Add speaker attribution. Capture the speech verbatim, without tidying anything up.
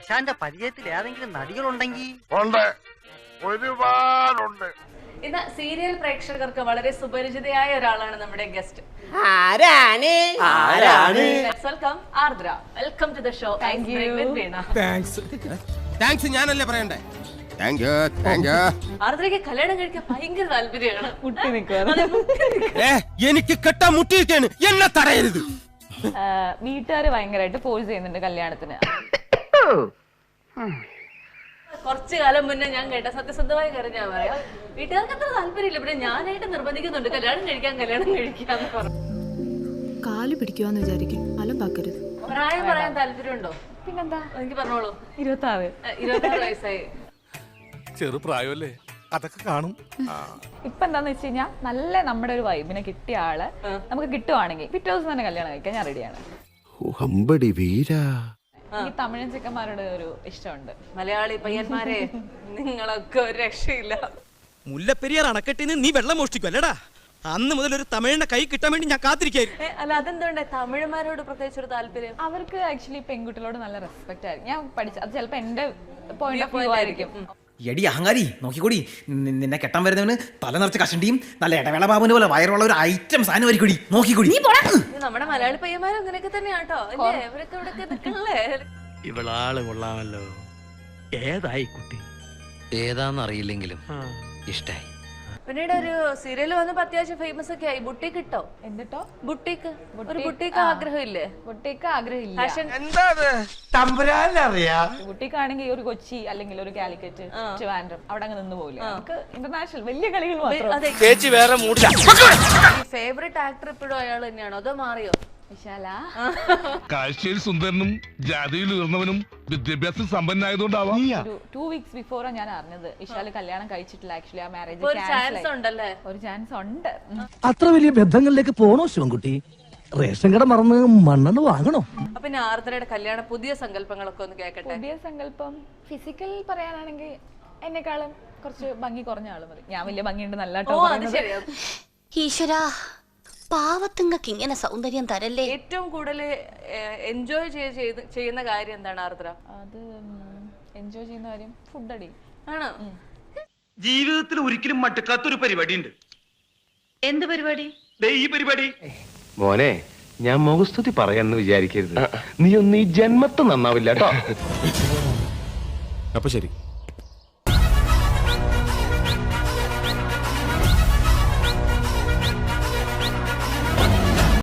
Speaker 1: ആശാന്റെ പരിചയത്തിൽ ഏതെങ്കിലും നടികളുണ്ടെങ്കിൽ
Speaker 2: ഉണ്ട്, ഒരുപാടുണ്ട്.
Speaker 3: ഇന്ന് സീരിയൽ പ്രേക്ഷകർക്ക് വളരെ സുപരിചിതയായ ഒരാളാണ് നമ്മുടെ ഗസ്റ്റ്.
Speaker 4: ആരാണ് ആരാണ്
Speaker 3: welcome Ardra. Welcome to the show. Thank you.
Speaker 5: Thanks thanks ഞാനല്ലേ പറയണ്ടേ. Thank you thank you.
Speaker 3: ആർദ്രയ്ക്ക് കല്യാണം കഴിക്കാൻ ഭയങ്കര താല്പര്യമാണ്. മുട്ടി
Speaker 5: ഏ എനിക്ക് കെട്ടാൻ മുട്ടിയിരിക്കാണ്, എന്നെ തടയരുത്.
Speaker 6: വീട്ടുകാര് ഭയങ്കരമായിട്ട് ഫോഴ്സ് ചെയ്യുന്നുണ്ട് കല്യാണത്തിന്.
Speaker 3: കുറച്ചു കാലം മുന്നേ ഞാൻ കേട്ട സത്യസന്ധമായ കാര്യം ഞാൻ പറയാം. വീട്ടുകാർക്ക് അത്ര താല്പര്യമില്ല, പിന്നെ ഞാനായിട്ട് നിർബന്ധിക്കുന്നുണ്ട് കല്യാണം കഴിക്കാൻ കല്യാണം കഴിക്കാന്ന് പറഞ്ഞു.
Speaker 7: കാല് പിടിക്കുവാന്ന് വിചാരിക്കും, അലമ്പാക്കരുത്.
Speaker 3: പ്രായം പറയാൻ താല്പര്യമുണ്ടോ?
Speaker 6: പിന്നെന്താ,
Speaker 3: എനിക്ക് പറഞ്ഞോളൂ.
Speaker 6: ഇരുപത്തി ആറ്
Speaker 3: ഇരുപത്തി ആറ് വയസ്സായി.
Speaker 8: ചെറുപ്രായമല്ലേ, അതൊക്കെ കാണും.
Speaker 6: ഇപ്പൊ എന്താന്ന് വെച്ച് കഴിഞ്ഞാൽ നല്ല നമ്മുടെ ഒരു വൈബിനെ കിട്ടിയ ആള് നമുക്ക് കിട്ടുവാണെങ്കിൽ പിറ്റേ ദിവസം തന്നെ കല്യാണം കഴിക്കാൻ ഞാൻ റെഡിയാണ്. എനിക്ക് തമിഴൻ ചെക്കന്മാരുടെ ഒരു ഇഷ്ടമുണ്ട്.
Speaker 3: മലയാളി പയ്യന്മാരെ നിങ്ങളൊക്കെ ഒരു രക്ഷയില്ല.
Speaker 9: മുല്ലപ്പെരിയാർ അണക്കെട്ടിന്ന് നീ വെള്ളം മോഷ്ടിക്കും അല്ലടാ. അന്ന് മുതൽ ഒരു തമിഴിന്റെ കൈ കിട്ടാൻ വേണ്ടി ഞാൻ കാത്തിരിക്കായിരുന്നു.
Speaker 3: അല്ല, അതെന്തുകൊണ്ട് തമിഴന്മാരോട് പ്രത്യേകിച്ച് ഒരു താല്പര്യം?
Speaker 6: അവർക്ക് ആക്ച്വലി പെൺകുട്ടികളോട് നല്ല റെസ്പെക്ട് ആയിരിക്കും. ഞാൻ പഠിച്ച അത് ചിലപ്പോ എന്റെ പോയിന്റ് ഓഫ് വ്യൂ ആയിരിക്കും.
Speaker 4: എടി അഹങ്കാരി, നോക്കിക്കൂടി, നിന്നെ കെട്ടാൻ വരുന്നവന് തല നിറച്ച് കഷണ്ടിയും നല്ല ഇടവേള ബാബുവിന്റെ പോലെ വയറുള്ള ഒരു ഐറ്റം സാധനം ആയിരിക്കും. നോക്കിക്കൂടി.
Speaker 3: നമ്മുടെ മലയാളി പയ്യന്മാരും അങ്ങനെയൊക്കെ തന്നെയാട്ടോ. ഇവരൊക്കെ ഇവിടെ നിൽക്കണല്ലേ.
Speaker 9: ഇവളാള് കൊള്ളാമല്ലോ. ഏതായി കുട്ടി?
Speaker 10: ഏതാന്നറിയില്ലെങ്കിലും ഇഷ്ടായി.
Speaker 3: പിന്നീട് ഒരു സീരിയൽ വന്നപ്പോ അത്യാവശ്യം ഫേമസ് ഒക്കെ ആയി. ബുട്ടീക്ക് ഇട്ടോ?
Speaker 6: എന്നിട്ടോ
Speaker 3: ബുട്ടീക്ക് ഒരു ബുട്ടീക്ക് ആഗ്രഹമില്ലേ?
Speaker 6: ബുട്ടീക്ക് ആഗ്രഹമില്ല. ബുട്ടീക്ക് ആണെങ്കിൽ ഒരു കൊച്ചി അല്ലെങ്കിൽ ഒരു കാലിക്കറ്റ്, ട്രിവാൻഡ്രം അവിടെ അങ്ങ് നിന്ന് പോകില്ല. നമുക്ക് ഇന്റർനാഷണൽ വലിയ കളികൾ മാത്രം.
Speaker 9: ചേച്ചി വേറെ മൂടില്ല.
Speaker 3: ഫേവറേറ്റ് ആക്ടർ ഇപ്പോഴും അയാൾ തന്നെയാണോ അതോ മാറിയോ?
Speaker 6: വിശാല
Speaker 8: കാഴ്ചയിൽ സുന്ദരനും ജാതിയിൽ ഉയർന്നവനും വിദ്യാഭ്യാസം സമ്പന്നായതുകൊണ്ടാവാം.
Speaker 6: ഒരു ടു വീക്സ് ബിഫോറാ ഞാൻ അറിഞ്ഞത് വിശാല് കല്യാണം കഴിച്ചിട്ടില്ല. ആക്ച്വലി ആ മാരേജ്
Speaker 3: ഒരു ചാൻസ് ഉണ്ടല്ലേ?
Speaker 6: ഒരു ചാൻസ് ഉണ്ട്.
Speaker 11: അത്ര വലിയ ബന്ധങ്ങളിലേക്ക് പോണോ ശിവൻകുട്ടി? റേഷൻ കട മറന്ന് മണ്ണെണ്ണ വാങ്ങണോ?
Speaker 3: അപ്പൊ പിന്നെ ആർദ്രയുടെ കല്യാണ പുതിയ സങ്കല്പങ്ങളൊക്കെ ഒന്ന് കേൾക്കട്ടെ.
Speaker 6: പുതിയ സങ്കല്പം ഫിസിക്കൽ പറയാനാണെങ്കിൽ എന്നെക്കാളും കുറച്ച് ഭംഗി കുറഞ്ഞ ആള് മതി. ഞാൻ വലിയ ഭംഗിയുണ്ട് നല്ല.
Speaker 7: ഈശ്വരാ, പാവത്തുങ്ങൾക്ക് ഇങ്ങനെ സൗന്ദര്യം തരല്ലേ.
Speaker 3: ഏറ്റവും കൂടുതൽ എൻജോയ് ചെയ്യുന്ന കാര്യം എന്താണ് ആർദ്ര?
Speaker 6: അത് എൻജോയ് ചെയ്യുന്ന കാര്യം ഫുഡ് അടി
Speaker 3: ആണോ?
Speaker 9: ജീവിതത്തിൽ ഒരിക്കലും മടുക്കാത്തൊരു പരിപാടി ഉണ്ട്.
Speaker 3: എന്ത് പരിപാടി?
Speaker 9: ഈ പരിപാടി.
Speaker 10: മോനെ, ഞാൻ മുഖസ്തുതി പറയാന്ന് വിചാരിക്കരുത്. നീ ഒന്ന് ഈ ജന്മത്ത് നന്നാവില്ല കേട്ടോ.
Speaker 8: അപ്പൊ ശരി.